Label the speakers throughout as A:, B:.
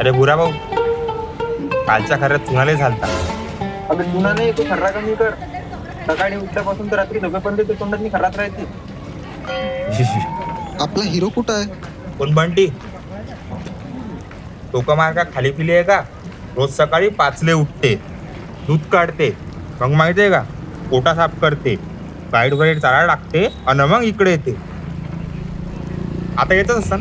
A: अरे बुरा भाऊ, कालच्या खऱ्यात चुनाले झालता.
B: अबे तुला नाही, तू खर्रा कमी कर. सकाळी उठल्यापासून तर रात्री झोपेपर्यंत ते तोंडात मी खर्रात राहते.
C: आपला हिरो कुठं आहे?
A: कोण बंटी? टोका मार का खाली पिली आहे का? रोज सकाळी 5 उठते, दूध काढते, मग माहितीये का पोटा साफ करते, गाईड वगैरे चालायला लागते आणि मग इकडे येते. आता येतच असतं.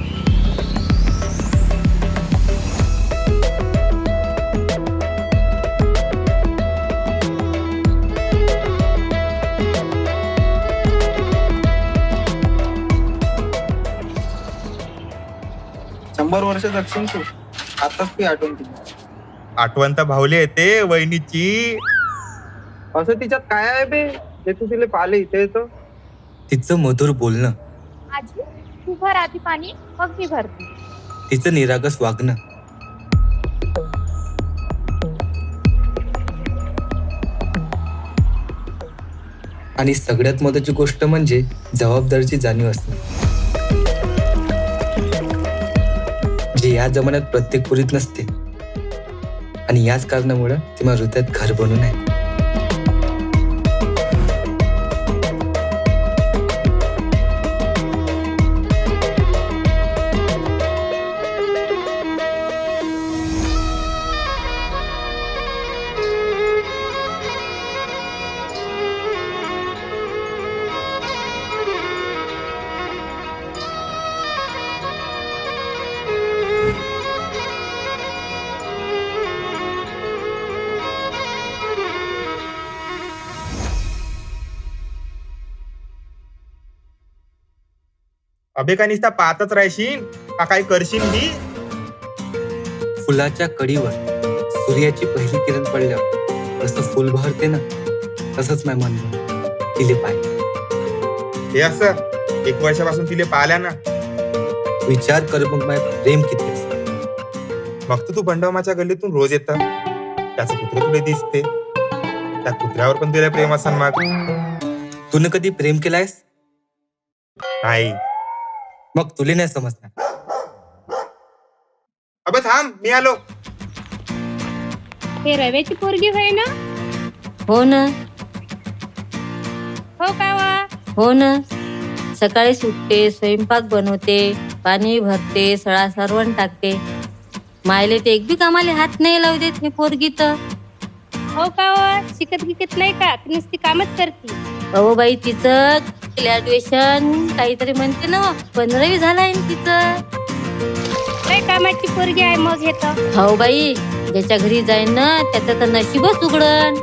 B: शंभर वर्ष जगशील तू. आताच ती आठवण ती.
A: आठवण तर भावली येते वहिनीची.
B: असं तिच्यात काय आहे बे, ते तू तिला पाहिले इथे येतं.
D: तिचं मधुर बोलणं,
E: आजी तू भर आधी पाणी, मग मी भरते.
D: तिचं निरागस वागणं, आणि सगळ्यात महत्त्वाची गोष्ट म्हणजे जबाबदारीची जाणीव असणे, जे या जमान्यात प्रत्येक पुरीत नसते. आणि याच कारणामुळे ती माझ्या हृदयात घर बनून आहे.
A: अबे का नुसता पाहतच राहशील का काही करशील बी?
D: फुलाच्या कडीवर सूर्याची पहिली किरण पडल्यावर जसं फुल बहरते ना, तसंच नाही म्हणलं तिले पाहिजे.
A: हे असं 1 वर्षापासून तिले पाहिल्या ना,
D: विचार कर मग माझं प्रेम किती असतं.
A: मग तू बंडमाच्या गल्लीतून रोज येत, त्याचं कुत्र तुला दिसते, त्या कुत्र्यावर पण तुला प्रेम असन. मग
D: तूने कधी प्रेम केलायस?
A: नाही.
D: मग तुले नाही समजणार.
A: अबे थांब, मी आलो.
E: हे रव्याची पोरगी होय ना?
F: हो ना,
E: हो का वा?
F: हो ना. सकाळी सुटते, स्वयंपाक बनवते, पाणी भरते, सळा सारवण टाकते. मायले ते एक बी कामाले हात नाही लावू देत हे पोरगी तर.
E: हो का वा? शिकत गिकत नाही का? ती नुसती कामच करते.
F: अहो बाई, तिचं ग्रॅज्युएशन काहीतरी म्हणते ना, 15वी झालाय ना तिचं.
E: काय कामाची पोरगी आहे मग हे तर.
F: हो बाई, ज्याच्या घरी जाईन ना त्याचं तर नशीबच उघडन.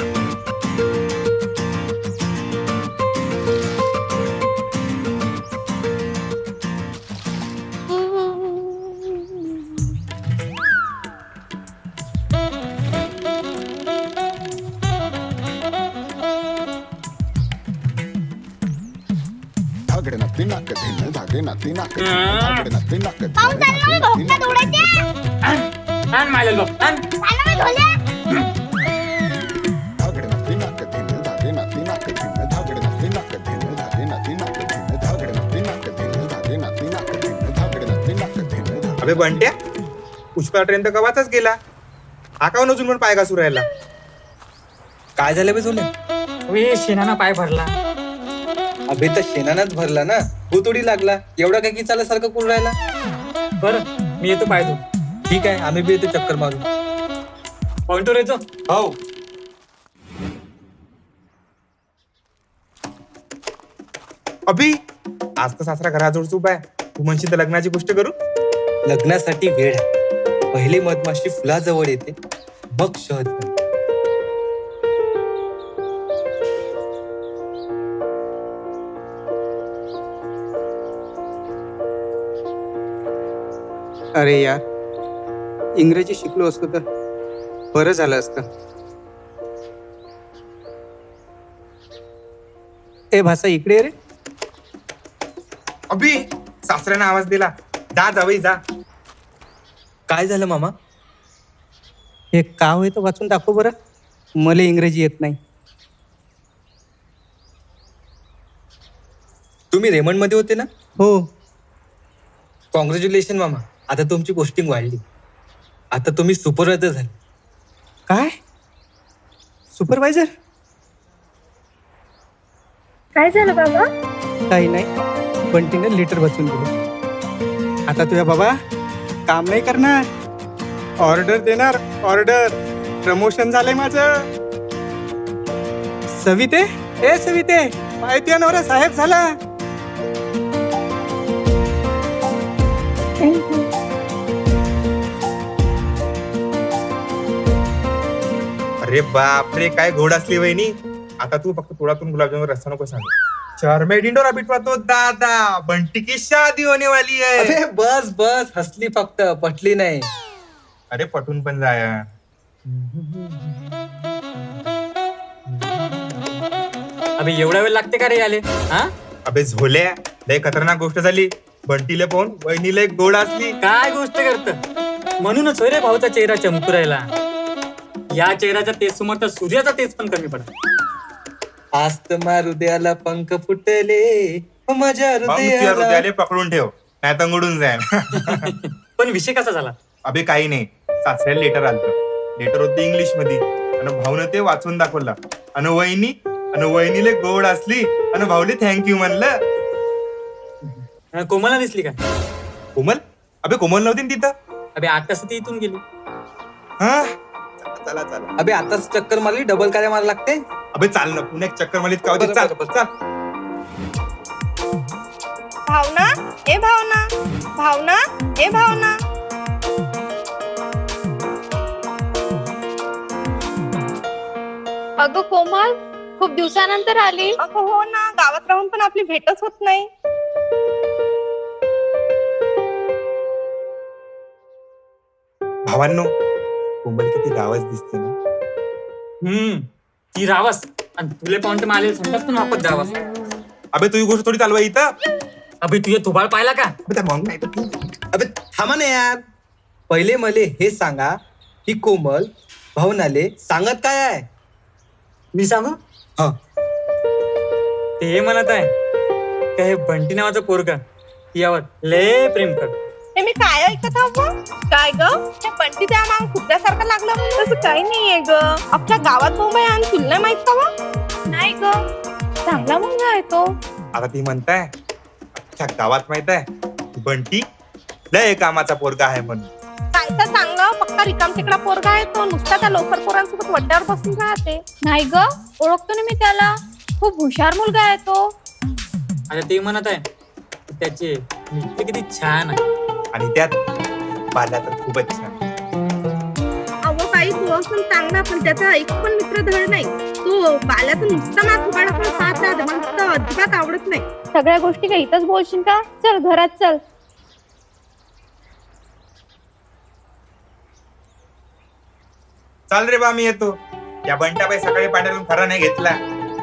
A: अबे बंट्या, पुष्पा ट्रेन तर कवाचाच गेला. हा का अजून पण पाय घासू राहिला?
D: काय झालं बे तुले?
G: शेणाना पाय भरला.
D: अबे तर शेणानच भरला ना, भूतोडी लागला. एवढा काय की चालासारखं कुल राहिला.
G: बरं मी येतो पाय तू.
D: ठीक आहे, आम्ही बी येतो चक्कर मारून.
G: पॉइंटवर येतो.
D: हो.
A: अभि, आज तर सासरा घराजवळच उभा आहे. तू म्हणशील तर लग्नाची गोष्ट करू?
D: लग्नासाठी वेळ आहे. पहिले मधमाशी फुलाजवळ येते, मग शहद बनते.
H: अरे यार, इंग्रजी शिकलो असतो तर बरं झालं असतं. ए भाषा इकडे ये रे.
A: अभि, सासऱ्यानं आवाज दिला. जा जावई जा.
D: काय झालं मामा?
H: हे का होय तर वाचून दाखव बरं. मला इंग्रजी येत नाही.
D: तुम्ही रेमंड मध्ये होते ना?
H: हो.
D: कॉंग्रॅच्युलेशन मामा, आता तुमची पोस्टिंग वाढली. आता तुम्ही सुपरवायझर झाले.
H: काय सुपरवायझर?
E: काय झालं बाबा?
H: काही नाही, बंटीने लिटर वाचून दिले. आता तुझ्या बाबा काम नाही करणार, ऑर्डर देणार. ऑर्डर. प्रमोशन झालंय माझं. सविते, ए सविते, माहिती नवरा साहेब झाला.
A: अरे बापरे, काय गोड असली वहिनी. आता तू फक्त तोडातून गुलाबजामुन रस्ता नको सांग. शहर डिंडोरा बिटवा तो दादा, बंटी की शादी होने वाली है.
D: अरे बस बस, हसली फक्त, पटली नाही.
A: अरे पटून पण जाया.
G: अबे एवढा वेळ लागते का रे आले? हा
A: अबे झोल्या, लय खतरनाक गोष्ट झाली. बंटीला पाहून वहिनीला एक गोड असली.
G: काय गोष्ट करत? म्हणूनच होय रे भाऊचा चेहरा चमकू राहिला. या चेहऱ्याच्या तेज समोर तर सूर्याचा तेज पण कमी पडत.
D: आज तर माझ्या हृदयाला पंख फुटले, माझ्या
A: मग तुझ्या
D: हृदयाला.
A: हृदयाला पकडून ठेव, नाही तर उडून जाईल.
G: पण विषय कसा झाला?
A: अबे काही नाही, सासऱ्याला लेटर आलतं. लेटर होते इंग्लिश मध्ये आणि भाऊन ते वाचून दाखवला. आणि वहिनीले गोड असली आणि भाऊले थँक्यू म्हणलं.
G: कोमलला दिसली का?
A: कोमल? अबे कोमल नव्हती ना तिथं.
G: अबे 8 तास ती इथून गेली.
A: हा चला चला.
D: अबे आताच चक्कर मारली, डबल काय मारा लागते.
A: अबे चाल ना, पुण्यात चक्कर मारलीत का होते. चाल चाल.
I: भावना, ए भावना, भावना, ए भावना.
E: अगं कोमल, खूप दिवसानंतर आली.
I: अगं हो ना, गावात राहून पण आपली भेटच होत नाही.
A: भावांनो, कोमल किती रावच दिसते ना.
G: ती रावस आणि तुले पाहून तर मला सांगतात तू वापस जावस.
A: अबे तुझी गोष्ट थोडी चालवा इथं.
G: अबे तुझे थोबाळ पाहिला का?
A: अबे त्या मग नाही तर तू.
D: अबे थांबा ना यार. पहिले मले हे सांगा की कोमल भावनाले सांगत काय आहे?
G: मी सांगू?
D: हा.
G: ते हे म्हणत आहे का हे बंटी नावाचं पोरगा यावर लय प्रेम कर.
I: हे मी काय ऐकत आहो? काय ग, त्या पंटी त्या माग कुत्र्यासारखं लागलं. तसं काही नाहीये ग. आपल्या गावात मुंबई आणि तुला नाही माहित का व? नाही ग, चांगला मुलगा आहे तो.
A: आता ती म्हणताय अख्ख्या गावात माहित आहे बंटी लय कामाचा पोरगा आहे म्हणून.
I: कायचा चांगलं, पक्का रिकाम तिकडा पोरगा आहे तो. नुसता त्या लोकर पोरांसोबत वड्ड्यावर बसून राहते.
E: नाही ग, ओळखतो ना मी त्याला. खूप हुशार मुलगा आहे तो.
G: आता ते म्हणत आहे की त्याचे मित्र किती छान आहे.
A: आणि त्यात बाला तर खूपच छान.
I: अहो काही तू असून चांगला, पण त्याचा एक पण मित्र धड नाही. तो बाल्याचा नुसता मात उघडाकडे पाहत राहते. मला तर अजिबात आवडत नाही.
E: सगळ्या गोष्टी काही इथंच बोलशील का? चल घरात चल.
A: चाल रे बा, मी येतो. या बंटाबाई सकाळी पाण्यातून खरा नाही घेतला.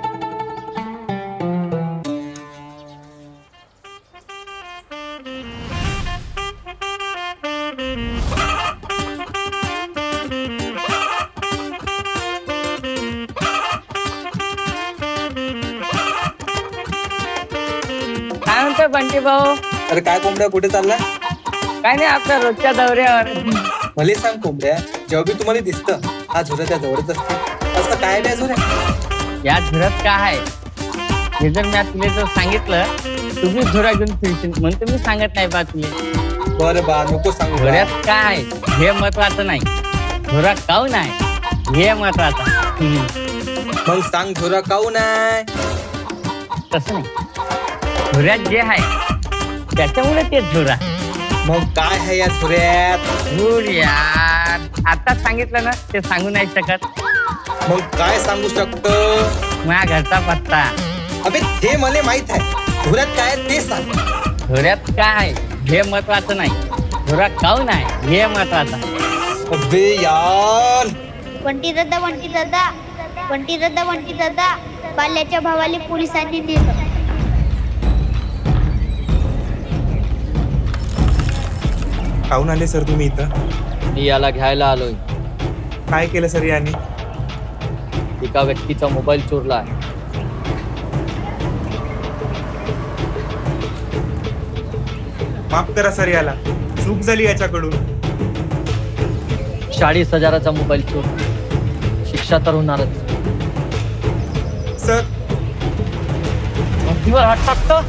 J: काय म्हणतोय बंटी भाऊ?
D: अरे काय कोंबड्या, कुठे चालला?
J: काय नाही, आपल्या रोजच्या दौऱ्यावर.
D: मला सांग कोंबड्या, जेव्हा बी तुम्हाला दिसतं हा झुरा त्या जवळच असते. असं काय बी झुऱ्या?
J: या झुऱ्यात काय आहे हे जर मी तुला जर सांगितलं, तुम्ही झुरा घेऊन फिरशील म्हणून तुम्ही सांगत नाही बा तुला.
D: बरं बा, नको सांगू.
J: झुऱ्यात काय आहे हे महत्वाचं नाही, झुरा काऊन आहे हे महत्वाचं.
D: मग सांग झुरा काऊन आहे?
J: तसं नाही, झुऱ्यात जे आहे त्याच्यामुळे ते झुरा.
D: मग काय आहे या झुऱ्यात?
J: झुर यार, आता सांगितलं ना ते सांगू नाही शकत.
D: मग काय सांगू शकतो?
J: माझ्या घरचा पत्ता.
D: अबे ते मला माहित आहे, झुऱ्यात काय आहे ते सांग.
J: झुऱ्यात काय आहे हे महत्वाचं नाही, झुरा काऊन आहे हे महत्वाचं.
D: अबे यार,
K: वंटी दादा, वंटी दादा, वंटी दादा, वंटी दादा. बाल्याच्या भावाला पोलिसांनी नेलं.
A: काहून आले सर तुम्ही इथं?
J: मी याला घ्यायला आलोय.
A: काय केलं सर याने?
J: एका व्यक्तीचा मोबाईल चोरला आहे.
A: माफ करा सर, याला चूक झाली याच्याकडून.
J: 40,000चा मोबाईल चोर, शिक्षा तर होणारच.
A: सर
J: भीतीवर हात टाकतो.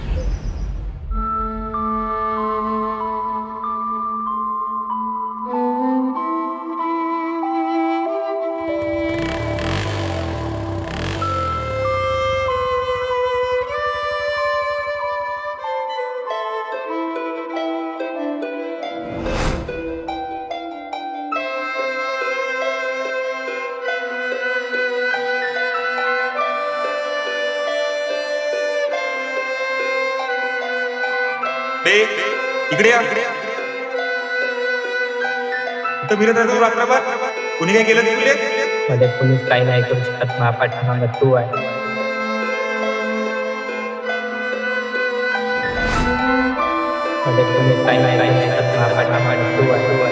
A: इकडे या. इथं फिरत राहतो रात्रभर. कुणी काय केलं तिकडे?
J: मध्ये पोलीस काही नाही करू शकत. महापाठीमाग तू आहे. मध्ये पोलीस काही नाही करू शकत. महापाठीमाग तू आहे.